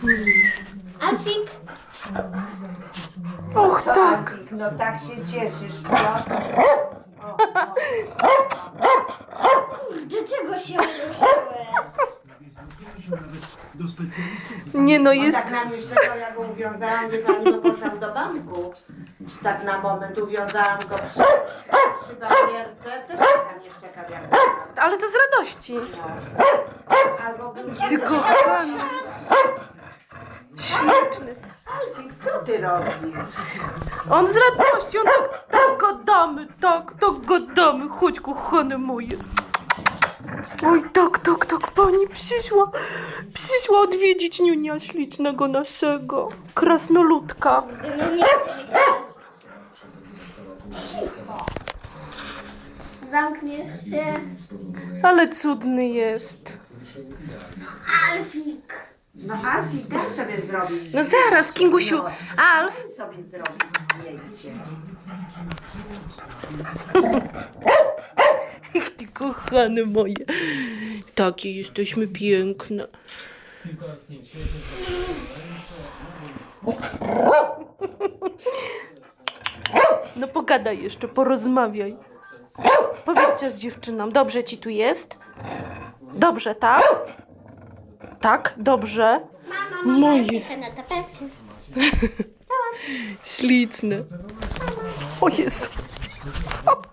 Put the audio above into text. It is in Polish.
Alfik, Och, tak. No tak się cieszysz, co? do czego się ruszyłeś? Nie no, On jest... tak na mnie szczekał, ja go uwiązałam, wie pani, bo poszłam do banku. Tak na moment uwiązałam go przy barierce. Też tak na mnie szczekał, jak Ale to z radości. no. Albo był Ty kochany. Śliczny. Alfik, co ty robisz? On z radości, on tak gadamy, tak gadamy. Chodź, kochane moje. Oj, tak, pani przyszła odwiedzić niunia ślicznego naszego, krasnoludka. No nie, myślałam. Zamkniesz się. Ale cudny jest. Alfik. No Alfik, daj sobie zrobić. No zaraz, Kingusiu, Alf. Daj sobie zrobić zdjęcie. Ach, ty kochane moje. Takie jesteśmy piękne. No pogadaj jeszcze, porozmawiaj. Powiedzcie z dziewczyną, dobrze ci tu jest? Dobrze, tak? Tak, dobrze. Mama, Moje. na tapecie. Śliczne. O Jezu. Hop.